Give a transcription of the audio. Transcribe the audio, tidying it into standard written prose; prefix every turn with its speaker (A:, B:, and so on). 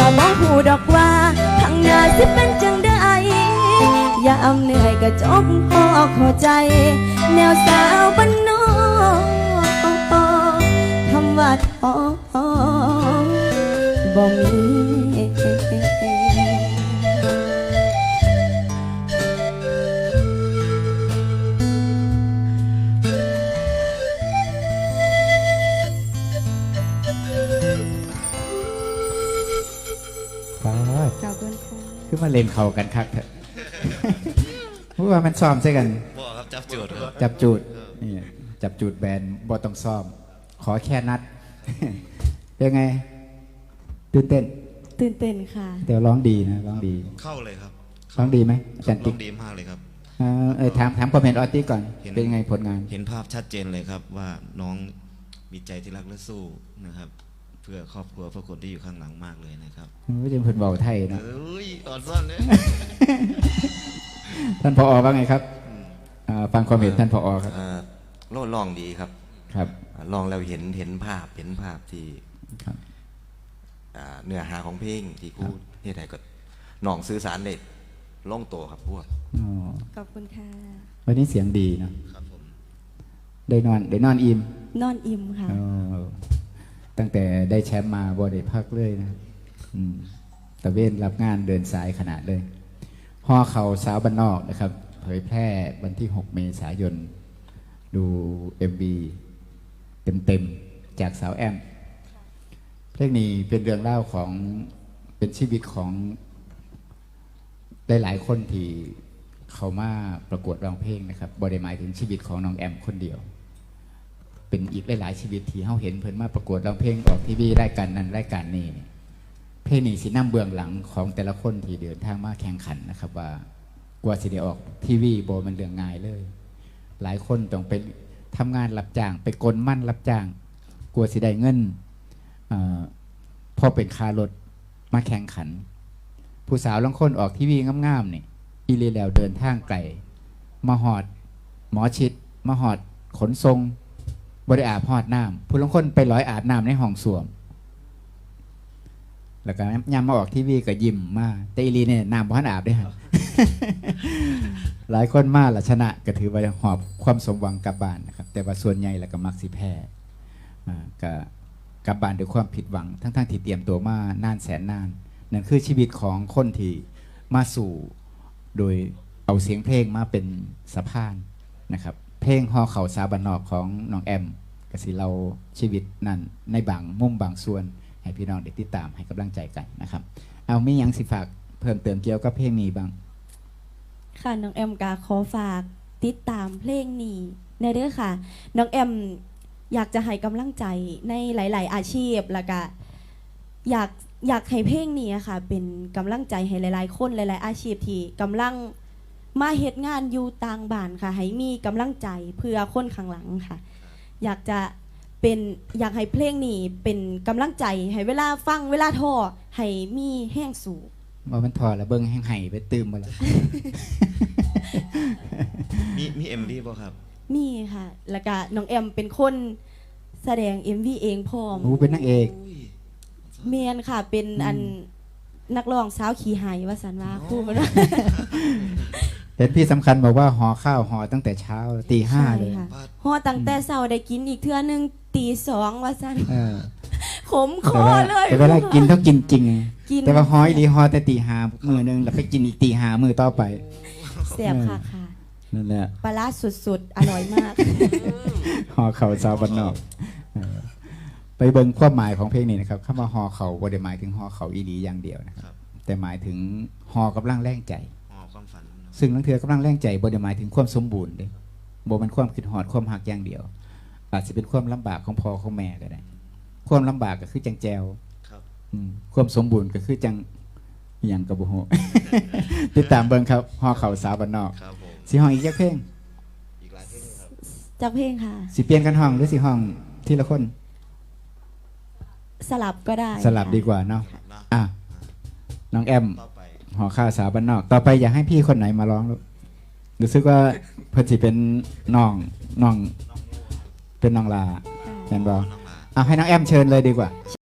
A: บ่หูดอกว่าข้างหน้าสิเป็นจังได้อย่าอำเหนื่อยกะจกพอเข้าใจแนวสาวบ้านนอกคำว่าท้อบ่มีขอบคุณค่ะ
B: คือมาเล่นเข่ากันคักเถอะเพราะว่ามันซ้อมใช่กัน
C: บอกครับจับจูดครับ
B: จับจูดนี่จับจูดแบนบอต้องซ้อมขอแค่นัดเป็นไงตื่นเต้น
A: ค่ะ
B: เดี๋ยวร้องดีนะร้องดี
C: เข้าเลยครับ
B: ร้องดีไหม
C: ร้องดีมากเลยครับ
B: ถามคอมเมนต์ออตี้ก่อนเป็นไงผลงาน
C: เห็นภาพชัดเจนเลยครับว่าน้องมีใจที่รักและสู้นะครับเพื่อครอบครัวเพื่อคนที่อยู่ข้างหลังมากเลยนะครับ
B: ไม่ใช่เพื่อนเบาไทยนะ
C: อ่อนซ่อนเลย
B: ท่านผอ.ว่าไงครับฟังความเห็นท่านผอ.ครับ
D: ลองดีครับ
B: ครับ
D: ลองแล้วเห็นภาพที่เนื้อหาของเพลงที่กูที่ไหนก็น้องสื่อสารได้ล่องโตครับพวก
A: ขอบคุณค่ะ
B: วันนี้เสียงดีนะครับผมได้นอนอิ่ม
A: ค่ะ
B: ตั้งแต่ได้แชมป์มาบอได้พักเลยนะตะเวนรับงานเดินสายขนาดเลยห่อเขาสาวบ้านนอกนะครับเผยแพร่วันที่6 เมษายนดู MV เต็มจากสาวแอมเพลงนี้เป็นเรื่องเล่าของเป็นชีวิตของหลายๆคนที่เขามาประกวดร้องเพลงนะครับบริหมายถึงชีวิตของน้องแอมคนเดียวเป็นอีกหลายๆชีวิตที่เขาเห็นเพิ่นมาประกวดร้องเพลงออกทีวีรายการนั้นรายการนี้เพลงนี้สินำเบื้องหลังของแต่ละคนที่เดินทางมาแข่งขันนะครับว่ากว่าสิได้ออกทีวีโบมันเรื่องง่ายเลยหลายคนต้องไปทำงานรับจ้างไปกลมั่นรับจ้างกลัวสิได้เงินพอเป็นคารถมาแข่งขันผู้สาวลางคนออกทีวีงามๆนี่อีเลียแล้วเดินทางไกลมาหอดหมอชิดมาหอดขนทรงบริอาบหอดน้ำผู้ลางคนไปร้อยอาบน้ำในห้องส้วมแล้วก็ยามมาออกทีวีก็ยิ้มมาแต่อีลีเนี่ยน้ำบ้านอาบได้ฮะ หลายคนมาละชนะก็ถือว่าหอบความสมหวังกลับบ้านนะครับแต่ว่าส่วนใหญ่แล้วก็มักสิแพ้ก็กลับบ้านด้วยความผิดหวังทั้งที่เตรียมตัวมานานแสนนานนั่นคือชีวิตของคนที่มาสู่โดยเอาเสียงเพลงมาเป็นสะพานนะครับเพลงห่อเขาสาวบ้านนอกของน้องแอมกสิเราชีวิตนั้นในบางมุมบางส่วนให้พี่น้องได้ติดตามให้กำลังใจกันนะครับเอามียังสิฝากเพิ่มเติมเกี่ยวกับเพลงนี้บ้าง
A: ค่ะน้องแอมกาขอฝากติดตามเพลงนี้ในเด้อค่ะน้องแอมอยากจะให้กำลังใจในหลายๆอาชีพแล้วก็อยากให้เพลงนี้ค่ะเป็นกำลังใจให้หลายๆคนหลายๆอาชีพที่กำลังมาเฮ็ดงานอยู่ต่างบ้านค่ะให้มีกำลังใจเพื่อคนข้างหลังค่ะอยากให้เพลงนี้เป็นกำลังใจให้เวลาฟังเวลาท้อให้มีแห้งสูบ
B: ว่ามันถอดแล้วเบิ้งแห้งไห้ไปตื่มมาแล้ว
C: มีMVป่ะครับ
A: มีค่ะแล้วก็น้องแอมเป็นคนแสดง MV เองพร้อม
B: เป็นนางเอก
A: เมียนค่ะเป็นอันนักร้องสาวขี่ไห้ว่าสันว่าคู่มัน
B: เห็นพี่สำคัญบอกว่าห่อข้าวห่อตั้งแต่เช้าตี 5เลย
A: ห่อตั้งแต่เช้าได้กินอีกเทื่อนึงตี 2ว่าสันขมคอเลย
B: แต่เวลากินต้องกินจริงแต่ว่าห่อดีห่อแต่ตี 5มื้อนึงแล้วไปกินอีกตี 5มื้อต่อไป
A: แซ่บค่ะ
B: นั่นแหละ
A: ปลาร้าสุดๆอร่อยมาก
B: ห่อเข่าสาวบ้านนอกไปเบิ่งความหมายของเพลงนี้นะครับคำว่าห่อเข่าบ่ได้หมายถึงห่อเข่าอีหลีอย่างเดียวนะครับแต่หมายถึงห่อกำลังแรงใจซึ่งลังเทือกำลังแรงใจบ่ได้หมายถึงความสมบูรณ์เด้บ่เป็นความคิดฮอดความหักอย่างเดียวอาจจะเป็นความลำบากของพ่อของแม่ก็ได้ความลำบากก็คือจังแจวความสมบูรณ์ก็คือจังอย่างกระบุโหติดตามเบิ่งครับห่อเข่าสาวบ้านนอกสิห้องอีกจักเพลง
A: จักเพลงค่ะ
B: สิเปลี่ยนกันห้องหรือสิห้องทีละคน
A: สลับก็ได้
B: สลับดีกว่าเนาะน้องแอมห่อข้าวสาวบ้านนอกต่อไปอยากให้พี่คนไหนมาร้องรู้สึกว่าเพิ่นสิเป็นน้องเป็นน้องลาแม่นบ่ให้น้องแอมเชิญเลยดีกว่า